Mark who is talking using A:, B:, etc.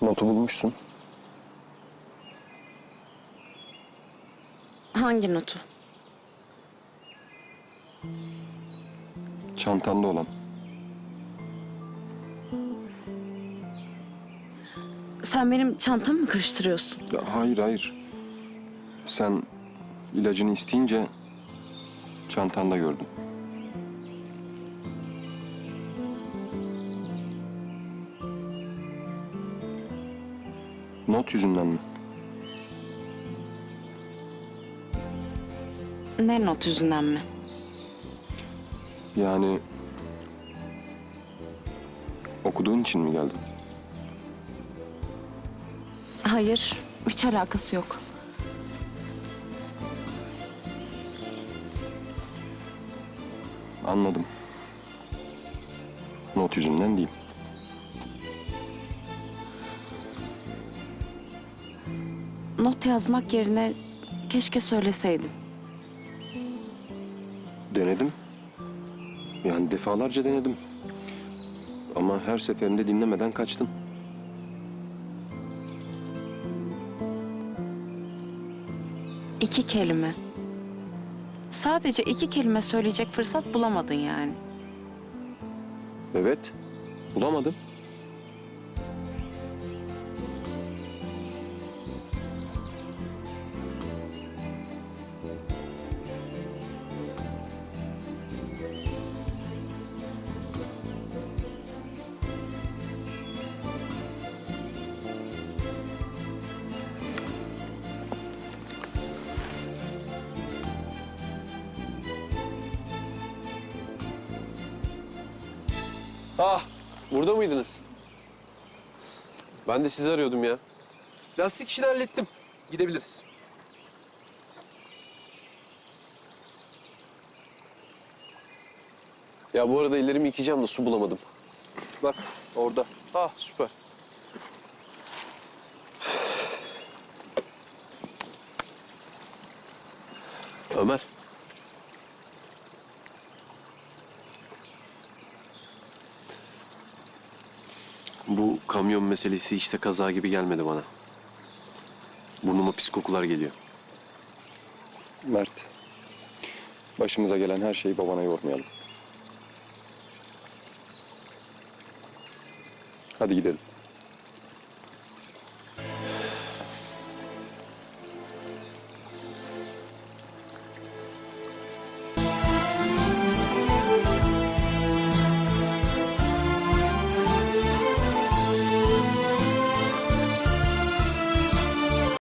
A: Notu bulmuşsun.
B: Hangi notu?
A: Çantanda olan.
B: Sen benim çantamı mı karıştırıyorsun?
A: Ya hayır hayır. Sen ilacını isteyince çantanda gördüm. Not yüzünden mi?
B: Ne not yüzünden mi?
A: Yani okuduğun için mi geldin?
B: Hayır, hiç alakası yok.
A: Anladım. Not yüzünden değil.
B: Not yazmak yerine keşke söyleseydin.
A: Denedim. Yani defalarca denedim. Ama her seferinde dinlemeden kaçtın.
B: İki kelime. Sadece iki kelime söyleyecek fırsat bulamadın yani.
A: Evet. Bulamadım.
C: Ah, burada mıydınız? Ben de sizi arıyordum ya. Lastik işini hallettim. Gidebiliriz. Ya bu arada ellerimi yıkayacağım da su bulamadım. Bak orada. Ah süper. Ömer. Bu kamyon meselesi işte kaza gibi gelmedi bana. Burnuma pis kokular geliyor.
A: Mert. Başımıza gelen her şeyi babana yormayalım. Hadi gidelim.